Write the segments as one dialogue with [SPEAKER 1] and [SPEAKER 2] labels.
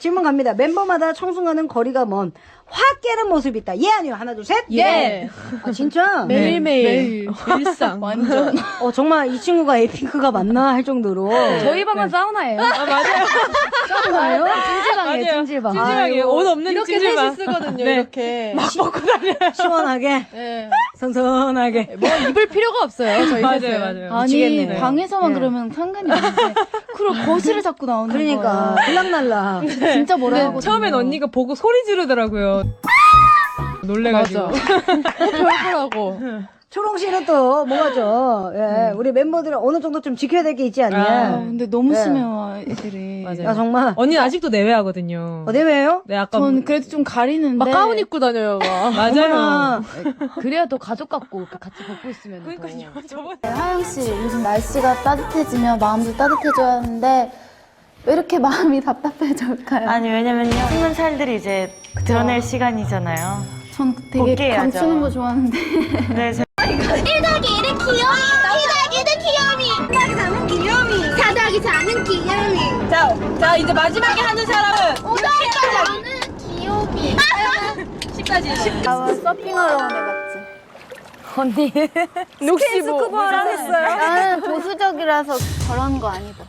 [SPEAKER 1] 질문 갑니다. 멤버마다 청순과는 거리가 먼 확 깨는 모습이 있다. 예, 아니요? 하나, 둘, 셋.
[SPEAKER 2] 예.
[SPEAKER 1] 아, 진짜?
[SPEAKER 2] 매일매일. 일상.
[SPEAKER 3] 완전.
[SPEAKER 1] 정말 이 친구가 에이핑크가 맞나 할 정도로.
[SPEAKER 3] 저희 방은 사우나예요.
[SPEAKER 2] 아, 맞아요.
[SPEAKER 1] 싸우나요?
[SPEAKER 3] 찜질방이에요,
[SPEAKER 2] 맞아요.
[SPEAKER 3] 찜질방.
[SPEAKER 2] 찜질방이에요. 옷 없는
[SPEAKER 3] 이렇게
[SPEAKER 2] 찜질방.
[SPEAKER 3] 셋이 쓰거든요,
[SPEAKER 2] 네.
[SPEAKER 3] 이렇게.
[SPEAKER 2] 막 먹고 다녀요.
[SPEAKER 1] 시원하게,
[SPEAKER 3] 네.
[SPEAKER 1] 선선하게.
[SPEAKER 3] 뭐 입을 필요가 없어요, 저희
[SPEAKER 2] 맞아요,
[SPEAKER 3] 셋은.
[SPEAKER 2] 맞아요.
[SPEAKER 4] 아니
[SPEAKER 1] 미치겠네.
[SPEAKER 4] 방에서만
[SPEAKER 1] 네.
[SPEAKER 4] 그러면 상관이 없는데 그걸 거실에 자꾸 나오는
[SPEAKER 1] 그러니까,
[SPEAKER 4] 거야.
[SPEAKER 1] 들락날락.
[SPEAKER 4] 진짜 뭐라 하거든요.
[SPEAKER 2] 처음엔 언니가 보고 소리 지르더라고요. 놀래가지고.
[SPEAKER 3] 별거라고.
[SPEAKER 1] 초롱 씨는 또 뭐가죠? 예, 우리 멤버들은 어느 정도 좀 지켜야 될 게 있지 않냐?
[SPEAKER 4] 아, 근데 너무
[SPEAKER 1] 네.
[SPEAKER 4] 심해요 애들이.
[SPEAKER 2] 맞아요.
[SPEAKER 1] 야, 정말.
[SPEAKER 2] 언니는 아직도 내외하거든요.
[SPEAKER 1] 내외예요?
[SPEAKER 2] 네, 아까.
[SPEAKER 4] 전 그래도 좀 가리는데.
[SPEAKER 3] 막 가운 입고 다녀요, 막.
[SPEAKER 2] 맞아요.
[SPEAKER 4] 그래야 더 가족 같고 이렇게 같이 벗고 있으면.
[SPEAKER 2] 그러니까요. 저번에.
[SPEAKER 5] 하영 씨, 요즘 날씨가 따뜻해지면 마음도 따뜻해져야 하는데 왜 이렇게 마음이 답답해질까요?
[SPEAKER 6] 아니 왜냐면요 숨은 살들이 이제 드러낼 시간이잖아요.
[SPEAKER 5] 전 되게
[SPEAKER 6] 복귀해야죠.
[SPEAKER 5] 감추는 거 좋아하는데.
[SPEAKER 6] 네,
[SPEAKER 7] 1더하기 1은 귀요미 2더하기 1은 귀요미 3더하기 3은 귀요미 4더하기 4는 귀요미
[SPEAKER 3] 자, 이제 마지막에 하는 사람은
[SPEAKER 7] 5더하기 5는 귀요미
[SPEAKER 3] 10까지.
[SPEAKER 5] 나 서핑하러 온 애 같지?
[SPEAKER 3] 혹시 뭐 잘했어요?
[SPEAKER 5] 나는 보수적이라서 저런 거 아니다.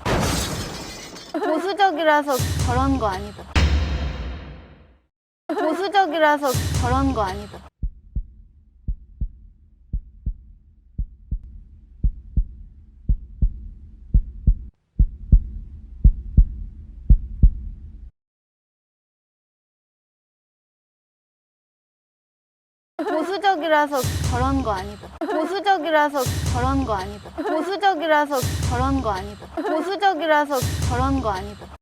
[SPEAKER 5] 보수적이라서 저런 거 아니다. 보수적이라서 저런 거 아니다. 보수적이라서 저런 거 아니다. 보수적이라서 저런 거 아니다. 보수적이라서 저런 거 아니다. 보수적이라서 저런 거 아니다.